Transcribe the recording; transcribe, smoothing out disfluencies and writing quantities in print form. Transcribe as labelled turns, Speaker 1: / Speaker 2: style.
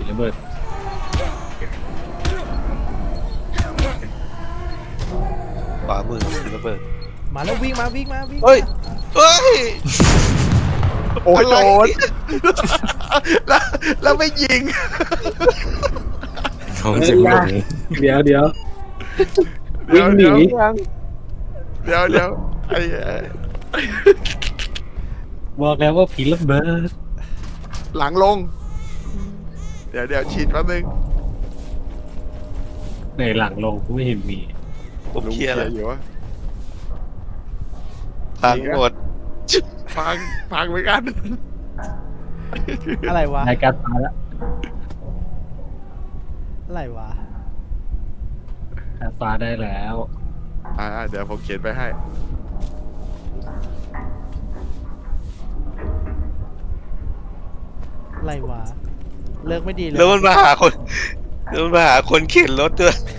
Speaker 1: ระเบิด
Speaker 2: ขวามือคือระเบิด
Speaker 3: มาแล้ววิ่งมาวิ่งมาวิ่ง
Speaker 2: เฮ้ย เฮ้ย
Speaker 4: โอ้ย
Speaker 2: อะไร
Speaker 4: โดนแล้วไม่ยิง
Speaker 1: ท้องเจ็บหลง
Speaker 5: เดี๋ยว
Speaker 4: เดี๋
Speaker 5: วิ่
Speaker 4: ยว
Speaker 5: งหนี
Speaker 4: เดี๋ยวไอ้
Speaker 5: บอกแล้วว่าผีระเบิด
Speaker 4: หลังลง เดี๋ยวฉีดแป๊บนึง
Speaker 5: ในหลังลงกูไม่เห็นมี
Speaker 2: ผมเคลียร์แล้ว
Speaker 4: อยู่วะ
Speaker 2: พังหมด
Speaker 4: พังเหมือนกัน
Speaker 3: อะไรวะ
Speaker 5: รายการตายแล้ว
Speaker 3: อะไรวะ
Speaker 5: ฟ้าได้แล้ว
Speaker 4: เดี๋ยวผมเขียนไปให้
Speaker 3: อะไรวะเลิกไม่ดีเลย
Speaker 2: แล้วมันมาหาคนเข็นรถด้วย